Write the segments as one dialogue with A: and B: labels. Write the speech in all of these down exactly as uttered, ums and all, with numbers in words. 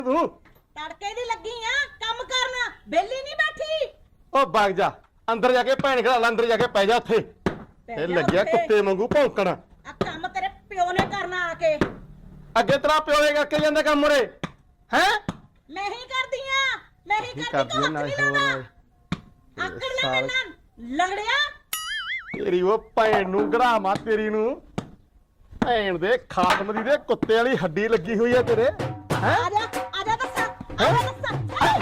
A: ਤੂੰ
B: ਤੜਕੇ ਦੀ ਲੱਗੀ ਆ ਕੰਮ ਕਰਨਾ ਬੇਲੀ ਨਹੀਂ ਬੈਠੀ।
A: ਉਹ ਵਗ ਜਾ ਅੰਦਰ ਜਾ ਕੇ ਭੈਣ ਖੜਾ ਲੈ ਅੰਦਰ ਜਾ ਕੇ ਪੈ ਜਾ ਉੱਥੇ ਇਹ ਲੱਗਿਆ ਕੁੱਤੇ ਵਾਂਗੂ ਭੌਂਕਣ।
B: ਆ ਕੰਮ ਤੇਰੇ ਪਿਓ ਨੇ ਕਰਨਾ ਆ ਕੇ।
A: ਅੱਗੇ ਤੇਰਾ ਪਿਓ ਇਹ ਕਰਕੇ ਜਾਂਦਾ ਕੰਮ ਉਰੇ ਹੈ।
B: ਮੈਂ ਹੀ ਕਰਦੀ ਆ ਮੈਂ ਹੀ ਕਰਦੀ ਤੂੰ ਹੱਥ ਨਹੀਂ ਲਾਉਂਦਾ। ਆਕੜ ਲੈ ਮੇਰੇ ਨਾਲ ਲੰਗੜਿਆ।
A: ਤੇਰੀ ਉਹ ਭੈਣ ਨੂੰ ਗੜਾਵਾਂ ਤੇਰੀ ਨੂੰ ਭੈਣ ਦੇ ਖਾਤਮ ਦੀ ਦੇ ਕੁੱਤੇ ਵਾਲੀ ਹੱਡੀ ਲੱਗੀ ਹੋਈ ਹੈ ਤੇਰੇ ਹੈ।
B: ਆ ਜਾ ਆ ਜਾ ਦੱਸ ਆ ਜਾ ਦੱਸ।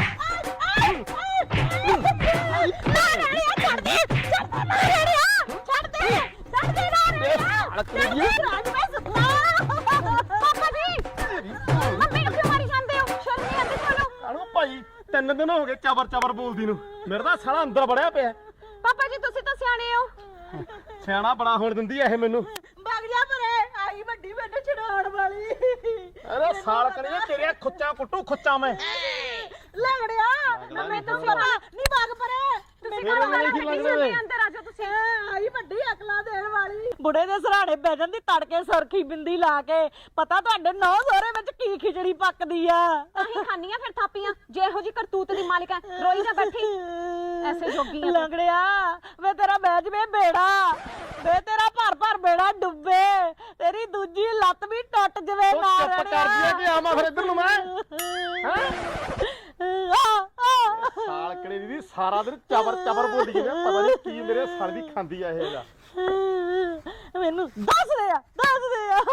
B: ਛੱਡ ਦੇ ਛੱਡ ਦੇ ਮਾਰਿਆ ਛੱਡ ਦੇ ਛੱਡ ਦੇ ਮਾਰਿਆ ਰਾਜ ਮੈਂ ਸੁਪਨਾ। ਪਾਪਾ ਜੀ ਮੰਮੀ ਨੂੰ ਕਿਉਂ ਮਾਰੀ ਜਾਂਦੇ ਹੋ? ਸ਼ਰਮ ਨਹੀਂ ਆਉਂਦੀ ਤੁਹਾਨੂੰ?
A: ਕਾਹਨੂੰ ਭਾਈ ਤਿੰਨ ਦਿਨ ਹੋ ਗਏ ਚਬਰ ਚਬਰ ਬੋਲਦੀ ਨੂੰ ਮੇਰਾ ਤਾਂ ਸਾਲਾ ਅੰਦਰ ਵੜਿਆ ਪਿਆ।
B: ਪਾਪਾ ਜੀ ਤੁਸੀਂ ਤਾਂ ਸਿਆਣੇ ਹੋ।
A: ਸਿਆਣਾ ਬੜਾ ਹੋਣ ਦਿੰਦੀ ਐ ਇਹ ਮੈਨੂੰ।
B: ਵਗ ਜਾ ਪਰੇ ਆਈ ਵੱਡੀ ਮੈਨੂੰ ਛਡਾਉਣ ਵਾਲੀ।
A: ਅਰੇ ਸਾਲ ਕਰੀਏ ਤੇਰੇ ਖੁੱਚਾਂ ਕੁੱਟੂ ਖੁੱਚਾਂ ਮੈਂ
B: ਲੰਗੜਿਆ ਨਾ ਮੈਂ ਤਾਂ ਪਤਾ ਨਹੀਂ ਵਗ ਪਰੇ। ਤੁਸੀਂ
A: ਮੇਰੇ ਨਾਲ ਕੀ ਲੱਗਦਾ ਵੇ?
B: ਅੰਦਰ ਆ ਜਾ ਤੁਸੀਂ। ਆਈ ਵੱਡੀ ਅਕਲਾਂ ਦੇਣ ਵਾਲੀ। ਬੁੜੇ ਦੇ ਸਰਾਣੇ ਬਹਿ ਜਾਂਦੀ ਤੜਕੇ ਸਰਖੀ ਬਿੰਦੀ ਲਾ ਕੇ। ਪਤਾ ਤੁਹਾਡੇ ਨੌ ਸਹੁਰੇ ਵਿੱਚ ਕੀ ਖਿਚੜੀ ਪੱਕਦੀ ਆ।
C: ਅਸੀਂ ਖਾਨੀਆਂ ਫਿਰ ਥਾਪੀਆਂ ਜੇ ਇਹੋ ਜੀ ਕਰਤੂਤ ਦੀ ਮਾਲਿਕ ਹੈ। ਰੋਈ ਜਾ ਬੈਠੀ ਐਸੇ ਜੋਗੀ ਆ।
B: ਲੰਗੜਿਆ ਵੇ ਤੇਰਾ ਬਹਿ ਜਵੇ ਬੇੜਾ ਵੇ ਤੇਰਾ ਭਰ ਭਰ ਬੇੜਾ ਡੁੱਬੇ ਤੇਰੀ ਦੂਜੀ ਲੱਤ ਵੀ ਟੁੱਟ ਜਵੇ
A: ਉਹ
B: ਨਾ
A: ਚੁੱਪ ਕਰ ਦਿਆ ਕਿ ਆਵਾਂ ਫਿਰ ਇੱਧਰ ਨੂੰ ਮੈਂ ਸਾਲ ਕੜੇ ਦੀ ਸਾਰਾ ਦਿਨ ਚਬਰ ਚਬਰ ਬੋਲਦੀ ਜਿਵੇਂ ਪਤਾ ਨਹੀਂ ਕੀ ਮੇਰੇ ਸੜ ਦੀ ਖਾਂਦੀ ਆ ਇਹ ਜਾ।
B: ਮੈਨੂੰ ਦੱਸ ਦੇ ਆ ਦੱਸ ਦੇ ਆ।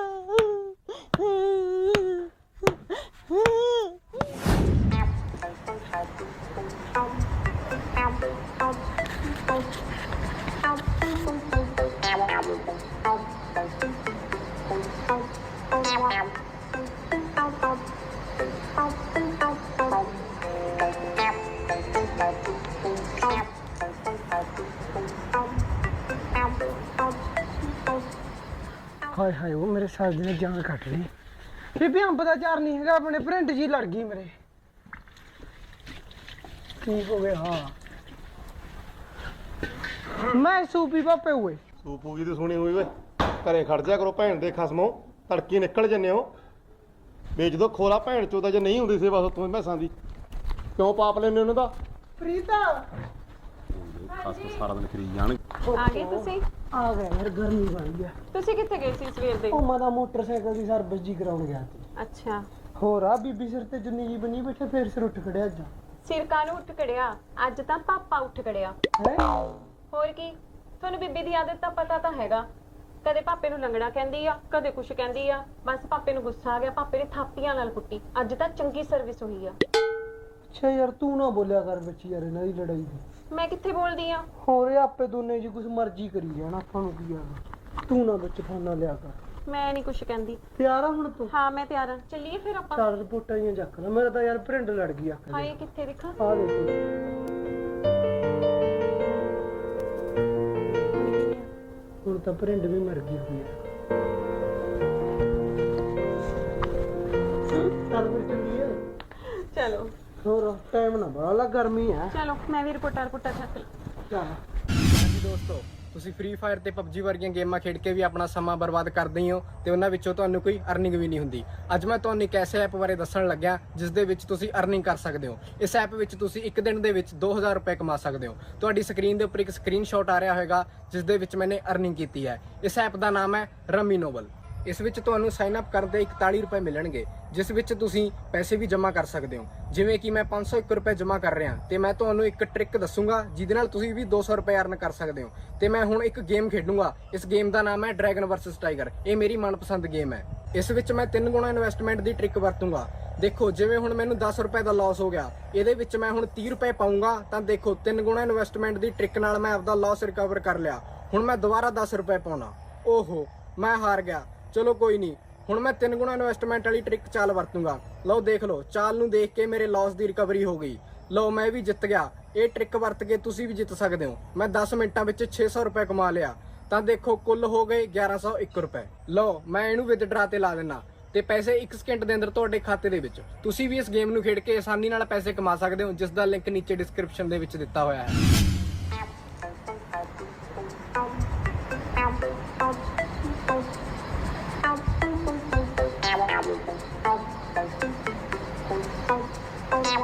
D: ਹਾਏ ਹਾਏ ਉਹ ਮੇਰੇ ਸਾਲ ਦੀ ਨੇ ਜਾਨ ਕੱਟ ਲਈ। ਬੀਬੀ ਅੰਬ ਦਾ ਚਾਰ ਨਹੀਂ ਹੈਗਾ ਆਪਣੇ ਪ੍ਰਿੰਟ ਜੀ ਲੜ ਗਈ ਮੇਰੇ। ਕੀ ਹੋ ਗਿਆ? ਹਾਂ ਮੈਂ ਸੂਪੀ ਪਾਪੇ ਹੋਏ
A: ਸੂਪੂ ਜੀ ਦੀ ਸੁਣੀ ਹੋਈ ਓਏ ਘਰੇ ਖੜ ਜਾ ਕਰੋ ਭੈਣ ਦੇ ਖਸਮੋ ਤੜਕੀ ਨਿਕਲ ਜੰਨੇ ਹੋ ਵੇਚ ਦੋ ਖੋਲਾ ਭੈਣ ਚੋਦਾ ਜੇ ਨਹੀਂ ਹੁੰਦੀ ਸੇਵਾ ਤੂੰ ਮੈਸਾਂ ਦੀ ਕਿਉਂ ਪਾਪ ਲੈਨੇ ਉਹਨਾਂ ਦਾ।
D: ਪ੍ਰੀਤਾ
A: ਖਸਮ ਸਾਰਾ ਦਿਨ ਕਰੀ ਜਾਣ।
C: ਆ ਗਏ ਤੁਸੀਂ?
D: ਆ ਗਿਆ ਯਾਰ ਗਰਮੀ ਬੜੀ ਆ।
C: ਤੁਸੀਂ ਕਿੱਥੇ ਗਏ ਸੀ ਸਵੇਰ ਦੇ?
D: ਉਹ ਮੈਂ ਤਾਂ ਮੋਟਰਸਾਈਕਲ ਦੀ ਸਰਵਿਸ ਜੀ ਕਰਾਉਣ ਗਿਆ ਸੀ।
C: ਅੱਛਾ
D: ਹੋਰ ਆ ਬੀਬੀ ਸਿਰ ਤੇ ਜੁੰਨੀ ਜੀ ਬਣੀ ਬੈਠੇ ਫੇਰ ਸਿਰ ਉੱਠ ਖੜਿਆ ਅੱਜ।
C: ਸਿਰ ਕਾਹਨੂੰ ਉੱਠ ਖੜਿਆ? ਅੱਜ ਤਾਂ ਪਾਪਾ ਉੱਠ ਖੜਿਆ।
D: ਹੈ
C: ਹੋਰ ਕੀ ਤੁਹਾਨੂੰ ਬੀਬੀ ਦੀ ਆਦਤ ਤਾਂ ਪਤਾ ਤਾਂ ਹੈਗਾ। ਕਦੇ ਪਾਪੇ ਨੂੰ ਲੰਗੜਾ ਕਹਿੰਦੀ ਆ ਕਦੇ ਕੁਛ ਕਹਿੰਦੀ ਆ। ਬਸ ਪਾਪੇ ਨੂੰ ਗੁੱਸਾ ਆ ਗਿਆ ਪਾਪੇ ਨੇ ਥਾਪੀਆਂ ਨਾਲ ਕੁੱਟੀ। ਅੱਜ ਤਾਂ ਚੰਗੀ ਸਰਵਿਸ ਹੋਈ ਆ।
D: ਅੱਛਾ ਯਾਰ ਤੂੰ ਨਾ ਬੋਲਿਆ ਕਰ ਵਿੱਚ ਯਾਰ ਇਹਨਾਂ ਦੀ ਲੜਾਈ ਦੀ।
C: ਮੈਂ ਕਿੱਥੇ ਬੋਲਦੀ ਆ?
D: ਹੋਰ ਇਹ ਆਪੇ ਦੋਨੇ ਜੀ ਕੁਛ ਮਰਜ਼ੀ ਕਰੀ ਜਾਣ ਆਪਾਂ ਨੂੰ ਕੀ ਆ। ਤੂੰ ਨਾ ਵਿੱਚ ਫਾਨਾ ਲਿਆ ਕਰ।
C: ਮੈਂ ਨਹੀਂ ਕੁਛ ਕਹਿੰਦੀ।
D: ਤਿਆਰ ਆ ਹੁਣ ਤੂੰ?
C: ਹਾਂ ਮੈਂ ਤਿਆਰ ਆ। ਚੱਲੀਏ ਫਿਰ ਆਪਾਂ।
D: ਚਾਰ ਰਿਪੋਰਟਾਂ ਹੀ ਚੱਕ ਲੈ। ਮੇਰਾ ਤਾਂ ਯਾਰ ਪ੍ਰਿੰਟ ਲੜ ਗਈ ਅੱਖ
C: ਹਾਏ ਕਿੱਥੇ ਦੇਖਾਂ?
D: ਆ ਦੇਖੋ ਹੁਣ ਤਾਂ ਪ੍ਰਿੰਟ ਵੀ ਮਰ ਗਈ ਹੋਈ ਆ। ਚੱਲ ਫਿਰ ਚੱਲੀਏ।
C: ਚਲੋ
D: ਹੋਰ ਟਾਈਮ ਨਾ ਬੜਾ ਲੱਗ ਗਰਮੀ ਆ।
C: ਚਲੋ ਮੈਂ ਵੀ ਰਿਪੋਰਟਾਂ ਰਿਪੋਰਟਾਂ ਚੱਕ ਲਾਂ।
D: ਚੱਲ
E: ਹਾਂਜੀ ਦੋਸਤੋ ਤੁਸੀਂ ਫ੍ਰੀ ਫਾਇਰ ਤੇ ਪਬਜੀ ਵਰਗੀਆਂ ਗੇਮਾਂ ਖੇਡ ਕੇ ਵੀ ਆਪਣਾ ਸਮਾਂ ਬਰਬਾਦ ਕਰਦੇ ਹੀ ਹੋ ਤੇ ਉਹਨਾਂ ਵਿੱਚੋਂ ਤੁਹਾਨੂੰ ਕੋਈ ਅਰਨਿੰਗ ਵੀ ਨਹੀਂ ਹੁੰਦੀ। ਅੱਜ ਮੈਂ ਤੁਹਾਨੂੰ ਇੱਕ ਐਸੇ ਐਪ ਬਾਰੇ ਦੱਸਣ ਲੱਗਿਆ ਜਿਸ ਦੇ ਵਿੱਚ ਤੁਸੀਂ ਅਰਨਿੰਗ ਕਰ ਸਕਦੇ ਹੋ। ਇਸ ਐਪ ਵਿੱਚ ਤੁਸੀਂ ਇੱਕ ਦਿਨ ਦੇ ਵਿੱਚ ਦੋ ਹਜ਼ਾਰ ਰੁਪਏ ਕਮਾ ਸਕਦੇ ਹੋ। ਤੁਹਾਡੀ ਸਕਰੀਨ ਦੇ ਉੱਪਰ ਇੱਕ ਸਕਰੀਨਸ਼ਾਟ ਆ ਰਿਹਾ ਹੋਵੇਗਾ ਜਿਸ ਦੇ ਵਿੱਚ ਮੈंने ਅਰਨਿੰਗ ਕੀਤੀ ਹੈ। ਇਸ ਐਪ ਦਾ ਨਾਮ ਹੈ ਰਮੀ ਨੋਬਲ। ਇਸ ਵਿੱਚ ਤੁਹਾਨੂੰ ਸਾਈਨ ਅਪ ਕਰਨ ਤੇ ਇਕਤਾਲੀ ਰੁਪਏ ਮਿਲਣਗੇ ਜਿਸ ਵਿੱਚ ਤੁਸੀਂ ਪੈਸੇ ਵੀ ਜਮ੍ਹਾਂ ਕਰ ਸਕਦੇ ਹੋ। ਜਿਵੇਂ ਕਿ ਮੈਂ ਪੰਜ ਸੌ ਇੱਕ ਰੁਪਏ ਜਮ੍ਹਾਂ ਕਰ ਰਿਹਾ ਤੇ ਮੈਂ ਤੁਹਾਨੂੰ ਇੱਕ ਟ੍ਰਿਕ ਦੱਸੂਗਾ ਜਿਹਦੇ ਨਾਲ ਤੁਸੀਂ ਵੀ ਦੋ ਸੌ ਰੁਪਏ ਅਰਨ ਕਰ ਸਕਦੇ ਹੋ। ਤੇ ਮੈਂ ਹੁਣ ਇੱਕ ਗੇਮ ਖੇਡੂੰਗਾ। ਇਸ ਗੇਮ ਦਾ ਨਾਮ ਹੈ ਡਰੈਗਨ ਵਰਸਸ ਟਾਈਗਰ। ਇਹ ਮੇਰੀ ਮਨਪਸੰਦ ਗੇਮ ਹੈ। ਇਸ ਵਿੱਚ ਮੈਂ ਤਿੰਨ ਗੁਣਾ ਇਨਵੈਸਟਮੈਂਟ ਦੀ ਟ੍ਰਿਕ ਵਰਤੂੰਗਾ। ਦੇਖੋ ਜਿਵੇਂ ਹੁਣ ਮੈਨੂੰ ਦਸ ਰੁਪਏ ਦਾ ਲਾਸ ਹੋ ਗਿਆ ਇਹਦੇ ਵਿੱਚ ਮੈਂ ਹੁਣ ਤੀਹ ਰੁਪਏ ਪਾਉਂਗਾ ਤਾਂ ਦੇਖੋ ਤਿੰਨ ਗੁਣਾ ਇਨਵੈਸਟਮੈਂਟ ਦੀ ਟ੍ਰਿਕ ਨਾਲ ਮੈਂ ਆਪਦਾ ਲਾਸ ਰਿਕਵਰ ਕਰ ਲਿਆ। ਹੁਣ ਮੈਂ ਦੁਬਾਰਾ ਦਸ ਰੁਪਏ ਪਾਉਣਾ। ਓਹੋ ਮੈਂ ਹਾਰ ਗਿਆ। ਚਲੋ ਕੋਈ ਨਹੀਂ ਹੁਣ ਮੈਂ ਤਿੰਨ ਗੁਣਾ ਇਨਵੈਸਟਮੈਂਟ ਵਾਲੀ ਟ੍ਰਿਕ ਚਾਲ ਵਰਤੂੰਗਾ। ਲਓ ਦੇਖ ਲਓ ਚਾਲ ਨੂੰ ਦੇਖ ਕੇ ਮੇਰੇ ਲਾਸ ਦੀ ਰਿਕਵਰੀ ਹੋ ਗਈ। ਲਓ ਮੈਂ ਵੀ ਜਿੱਤ ਗਿਆ। ਇਹ ਟ੍ਰਿਕ ਵਰਤ ਕੇ ਤੁਸੀਂ ਵੀ ਜਿੱਤ ਸਕਦੇ ਹੋ। ਮੈਂ ਦਸ ਮਿੰਟਾਂ ਵਿੱਚ ਛੇ ਸੌ ਰੁਪਏ ਕਮਾ ਲਿਆ ਤਾਂ ਦੇਖੋ ਕੁੱਲ ਹੋ ਗਏ ਗਿਆਰਾਂ ਸੌ ਇੱਕ ਰੁਪਏ। ਲਓ ਮੈਂ ਇਹਨੂੰ ਵਿਦਡਰਾ ਤੇ ਲਾ ਦਿੰਨਾ ਤੇ ਪੈਸੇ ਇੱਕ ਸਕਿੰਟ ਦੇ ਅੰਦਰ ਤੁਹਾਡੇ ਖਾਤੇ ਦੇ ਵਿੱਚ। ਤੁਸੀਂ ਵੀ ਇਸ ਗੇਮ ਨੂੰ ਖੇਡ ਕੇ ਆਸਾਨੀ ਨਾਲ ਪੈਸੇ ਕਮਾ ਸਕਦੇ ਹੋ ਜਿਸ ਦਾ ਲਿੰਕ ਨੀਚੇ ਡਿਸਕ੍ਰਿਪਸ਼ਨ ਦੇ ਵਿੱਚ ਦਿੱਤਾ ਹੋਇਆ ਹੈ।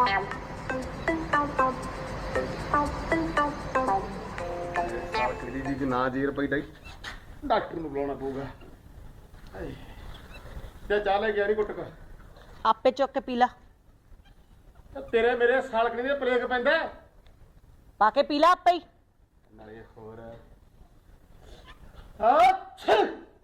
A: ਸਾਲਕੜੀ ਦੀ ਜੇ ਨਾ ਜੇਰ ਪਈ ਡਾਕਟਰ ਨੂੰ ਬੁਲਾਉਣਾ ਪਊਗਾ। ਹਾਏ ਤੇ ਚਾਹ ਲੈ ਗਿਆ ਨਹੀਂ ਗੁੱਟਕ
B: ਆਪੇ ਚੁੱਕ ਕੇ ਪੀ ਲਾ।
A: ਤੇ ਤੇਰੇ ਮੇਰੇ ਸਾਲਕੜੀ ਦੇ ਪਲੇਗ ਪੈਂਦਾ
B: ਪਾ ਕੇ ਪੀ ਲਾ ਆਪੇ ਹੀ।
A: ਨਾਲੇ ਹੋਰ ਅੱਛਾ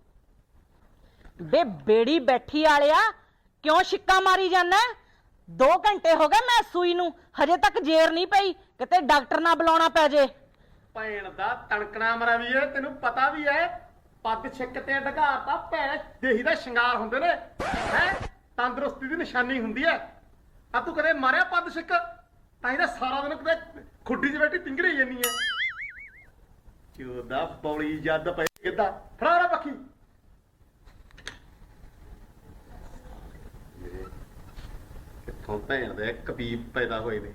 B: ਬੇ ਬੇੜੀ ਬੈਠੀ ਵਾਲਿਆ ਕਿਉਂ ਛਿੱਕਾ ਮਾਰੀ ਜਾਂਦਾ? ਦੋ ਘੰਟੇ ਹੋ ਗਏ ਮੈਂ ਸੂਈ ਨੂੰ, ਹਜੇ ਤੱਕ ਜੇਰ ਨਹੀਂ ਪਈ, ਕਿਤੇ ਡਾਕਟਰ ਨਾ ਬੁਲਾਉਣਾ ਪੈ ਜੇ।
A: ਭੈਣ ਦਾ ਤਣਕਣਾ ਮਰਾ ਵੀ ਹੈ, ਤੈਨੂੰ ਪਤਾ ਵੀ ਹੈ ਪੱਗ ਛਿੱਕ ਤੇ ਢਗਾਤਾ ਭੈਣ ਦੇਹੀ ਦਾ ਸ਼ਿੰਗਾਰ ਹੁੰਦੇ ਨੇ ਹੈ, ਤੰਦਰੁਸਤੀ ਦੀ ਨਿਸ਼ਾਨੀ ਹੁੰਦੀ ਹੈ। ਆ ਤੂੰ ਕਦੇ ਮਾਰਿਆ ਪੱਗ ਛਿੱਕ? ਤਾਂ ਇਹਦਾ ਸਾਰਾ ਦਿਨ ਕਿਤੇ ਖੁੱਡੀ 'ਚ ਬੈਠੀ ਤਿੰਗੜੀ ਜਾਂਦੀ ਹੈ। ਚੋਦਾ ਬੌਲੀ ਜੱਦ ਪਈ ਕਿੱਦਾਂ ਫੜਾ ਰਾ ਪੱਖੀ। ਕਿੱਥੋਂ ਭੈਣ ਦੇ ਕਬੀਬ ਪੈਦਾ ਹੋਏ ਨੇ।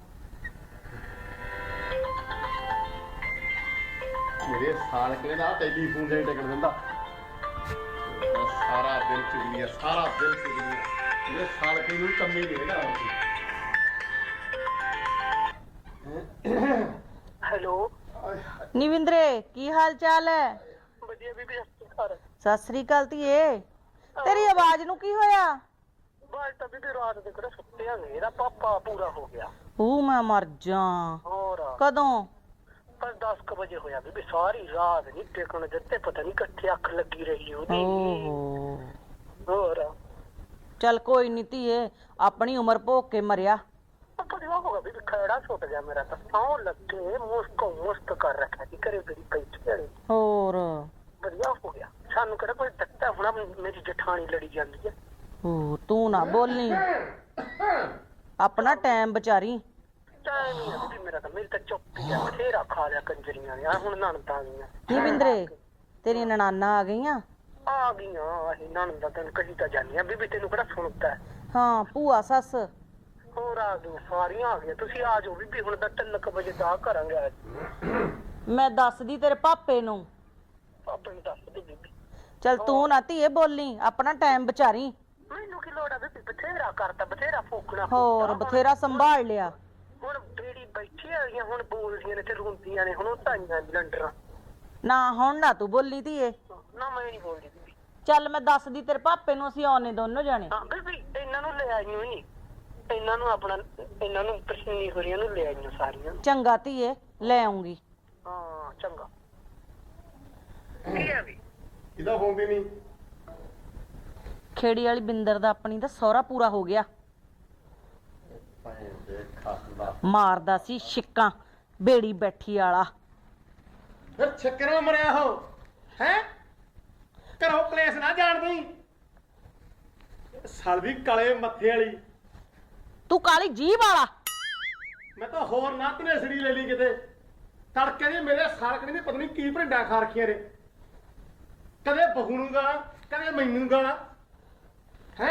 A: ਮੇਰੇ ਸਾਲਕੇ ਦਾ ਟੈਲੀਫੋਨ ਨਹੀਂ ਟਿਕਣ ਦਿੰਦਾ। ਸਾਰਾ ਦਿਨ ਚੁਗਲੀਆਂ, ਸਾਰਾ ਦਿਨ ਚੁਗਲੀਆਂ। ਮੇਰੇ ਸਾਲਕੇ ਨੂੰ ਕੰਮੀ ਨਹੀਂ ਹੈਗਾ।
F: ਹੈਲੋ
B: ਨਿਵਿੰਦਰੇ ਕੀ ਹਾਲ ਚਾਲ ਹੈ?
F: ਵਧੀਆ ਬੀਬੀ ਸਤਿਕਾਰ
B: ਸਤਿ ਸ੍ਰੀ ਅਕਾਲ ਧੀਏ। ਤੇਰੀ ਆਵਾਜ਼ ਨੂੰ ਕੀ ਹੋਇਆ?
F: ਬਾਅਦ ਤਾਂ ਬੀਬੀ ਰਾਤ ਦੇ ਕਿਹੜਾ ਸੁੱਤਿਆ ਨਹੀਂ, ਇਹਦਾ ਪਾਪਾ ਪੂਰਾ ਹੋ ਗਿਆ।
B: ਉਹ ਮੈਂ ਮਰ ਜਾ।
F: ਹੋਰ
B: ਕਦੋਂ?
F: ਪਰ ਦਸ ਕੁ ਵਜੇ ਹੋਇਆ ਬੀਬੀ, ਸਾਰੀ ਰਾਤ ਨਹੀਂ ਟਿਕਣ ਦਿੱਤੇ, ਪਤਾ ਨਹੀਂ ਕਿੱਥੇ ਅੱਖ ਲੱਗੀ ਰਹੀ ਉਹਦੀ।
B: ਓਹੋ
F: ਹੋਰ
B: ਚੱਲ ਕੋਈ ਨੀ ਧੀਏ, ਆਪਣੀ ਉਮਰ ਭੋਗ ਕੇ ਮਰਿਆ।
F: ਵਧੀਆ ਹੋ ਗਿਆ ਬੀਬੀ, ਖੈੜਾ ਛੁੱਟ ਗਿਆ ਮੇਰਾ ਤਾਂ। ਸੌਂ ਲੱਗੇ ਮੁਸਕ ਮੁਸਕ ਕਰ ਰੱਖਿਆ ਸੀ ਘਰੇ ਬੜੀ ਬੈਠੀ ਵਾਲੀ।
B: ਹੋਰ
F: ਵਧੀਆ ਹੋ ਗਿਆ, ਸਾਨੂੰ ਕਿਹੜਾ ਕੋਈ ਦਿੱਤਾ ਹੋਣਾ, ਮੇਰੀ ਜਠਾਣੀ ਲੜੀ ਜਾਂਦੀ ਹੈ।
B: ਓ ਤੂੰ ਨਾ ਬੋਲੀ, ਆਪਣਾ ਟਾਈਮ ਵਿਚਾਰੀ।
F: ਟਾਈਮ ਹੀ ਆ ਬੀਬੀ ਮੇਰਾ ਤਾਂ, ਮੇਰੀ ਤਾਂ ਚੁੱਪੀ ਆ, ਬਥੇਰਾ ਖਾ ਲਿਆ ਕੰਜਰੀਆਂ ਨੇ। ਆ ਹੁਣ ਨਣਦਾਂ ਆ ਗਈਆਂ।
B: ਨਿਵਿੰਦਰੇ ਤੇਰੀਆਂ ਨਨਾਨਾ ਆ ਗਈਆਂ?
F: ਆ ਗਈਆਂ ਅਸੀਂ ਨਣਦਾਂ, ਤੈਨੂੰ ਕਹੀ ਤਾਂ ਜਾਂਦੀਆਂ ਬੀਬੀ, ਤੈਨੂੰ ਕਿਹੜਾ ਸੁਣਦਾ।
B: ਹਾਂ ਭੂਆ ਸੱਸ
F: ਹੋਰ ਆ ਗਈਆਂ, ਸਾਰੀਆਂ ਆ ਗਈਆਂ। ਤੁਸੀਂ ਆ ਜਾਓ ਬੀਬੀ, ਹੁਣ ਤਾਂ ਤਿੰਨ ਕੁ ਵਜੇ ਦਾ ਕਰਾਂਗੇ ਅੱਜ।
B: ਮੈਂ ਦੱਸਦੀ ਤੇਰੇ ਪਾਪੇ ਨੂੰ।
F: ਪਾਪੇ ਨੂੰ ਦੱਸ ਦੇ ਬੀਬੀ।
B: ਚੱਲ ਤੂੰ ਨਾ ਧੀਏ ਬੋਲੀ, ਆਪਣਾ ਟਾਈਮ ਵਿਚਾਰੀ।
F: ਮੈਨੂੰ ਕੀ ਲੋੜ ਆ ਬੀਬੀ, ਬਥੇਰਾ ਕਰਤਾ, ਬਥੇਰਾ ਫੋਕਣਾ।
B: ਹੋਰ ਬਥੇਰਾ ਸੰਭਾਲ ਲਿਆ।
F: ਹੁਣ ਬੇੜੀ ਬੈਠੀ ਆ ਗਈਆਂ, ਹੁਣ ਬੋਲਦੀਆਂ ਨੇ ਤੇ ਰੋਂਦੀਆਂ ਨੇ, ਹੁਣ ਉਹ ਤਾਈਆਂ ਲੰਡਰਾਂ।
B: ਨਾ ਹੁਣ ਨਾ ਤੂੰ ਬੋਲੀ ਧੀਏ।
F: ਨਾ ਮੈਂ ਨਹੀਂ ਬੋਲਦੀ ਬੀਬੀ।
B: ਚੱਲ ਮੈਂ ਦੱਸਦੀ ਤੇਰੇ ਪਾਪੇ ਨੂੰ, ਅਸੀਂ ਆਉਣੇ ਦੋਨੋਂ ਜਾਣੇ।
F: ਹਾਂ ਬੀਬੀ ਇਹਨਾਂ ਨੂੰ ਲੈ ਆਈਓ ਨੀ, ਇਹਨਾਂ ਨੂੰ ਆਪਣਾ, ਇਹਨਾਂ ਨੂੰ ਪ੍ਰਸ਼ਨੀ ਹੋਰੀਆਂ ਨੂੰ ਲੈ ਆਈਓ ਸਾਰੀਆਂ।
B: ਚੰਗਾ ਧੀਏ ਲੈ ਆਉਂਗੀ।
F: ਹਾਂ ਚੰਗਾ। ਕੀ ਆ ਵੀ
A: ਇਹਦਾ ਫੋਨ ਵੀ ਨਹੀਂ।
B: ਖੇੜੀ ਵਾਲੀ ਬਿੰਦਰ ਦਾ ਆਪਣੀ ਦਾ ਸਹੁਰਾ ਪੂਰਾ ਹੋ ਗਿਆ।
A: ਭੈਣ ਦੇ ਖਾਸਦਾ
B: ਮਾਰਦਾ ਸੀ ਛਿੱਕਾਂ, ਬੇੜੀ ਬੈਠੀ ਵਾਲਾ।
A: ਫਿਰ ਛੱਕਰਾਂ ਮਰਿਆ ਹੋ ਹੈ, ਘਰੋਂ ਕਲੇਸ਼ ਨਾ ਜਾਣਦੀ। ਸਾਲਵੀ ਕਾਲੇ ਮੱਥੇ ਵਾਲੀ।
B: ਤੂੰ ਕਾਲੀ ਜੀਭ ਵਾਲਾ।
A: ਮੈਂ ਤਾਂ ਹੋਰ ਨਾ ਧਨੇਸੜੀ ਲੈ ਲਈ ਕਿਤੇ। ਤੜਕੇ ਦੀ ਮੇਰੇ ਸਾਲਕਣੀ ਦੀ ਪਤਾ ਨਹੀਂ ਕੀ ਭਰਿੰਡਾ ਖਾ ਰੱਖੀਆਂ ਨੇ। ਕਦੇ ਬਹੂ ਨੂੰ ਗਾਲਾਂ, ਕਦੇ ਮੈਨੂੰ ਗਾਲਾਂ ਹੈ।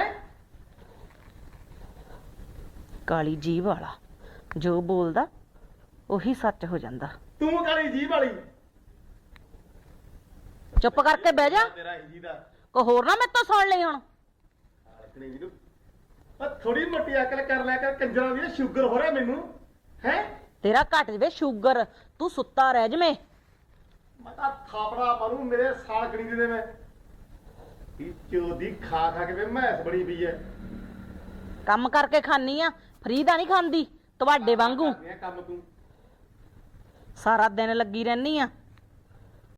B: ਕਾਲੀ ਜੀਭ ਵਾਲਾ ਜੋ ਬੋਲਦਾ ਉਹੀ ਸੱਚ ਹੋ ਜਾਂਦਾ।
A: ਤੂੰ ਕਾਲੀ ਜੀਭ ਵਾਲੀ।
B: ਚੁੱਪ ਕਰਕੇ ਬਹਿ ਜਾ,
A: ਤੇਰਾ ਹੀ ਜੀ ਦਾ
B: ਕੋ ਹੋਰ ਨਾ ਮੇਰੇ ਤੋਂ ਸੁਣ ਲਈ ਹੁਣ।
A: ਸਾਲਕਣੀ ਜੀ ਨੂੰ ਆ ਥੋੜੀ ਮੋਟੀ ਅਕਲ ਕਰ ਲਿਆ ਕਰ। ਕੰਜਰਾਂ ਦੀ ਸ਼ੂਗਰ ਹੋ ਰਿਹਾ ਮੈਨੂੰ ਹੈ।
B: ਤੇਰਾ ਘਟ ਜਵੇ ਸ਼ੂਗਰ, ਤੂੰ ਸੁੱਤਾ ਰਹਿ ਜਵੇਂ।
A: ਮੈਂ ਤਾਂ ਥਾਪੜਾ ਮਾਰੂ ਮੇਰੇ ਸਾਲਕਣੀ ਦੀ ਦੇ। ਮੈਂ ਇਹ ਚੋਦੀ ਖਾ ਖਾ ਕੇ ਵੇ ਮੈਸ ਬਣੀ ਪਈ ਐ।
B: ਕੰਮ ਕਰਕੇ ਖਾਨੀ ਆ, ਫਰੀ ਦਾ ਨਹੀਂ ਖਾਂਦੀ ਤੁਹਾਡੇ ਵਾਂਗੂ।
A: ਕਰਦੀ ਆ ਕੰਮ ਤੂੰ।
B: ਸਾਰਾ ਦਿਨ ਲੱਗੀ ਰਹਿਨੀ ਆ।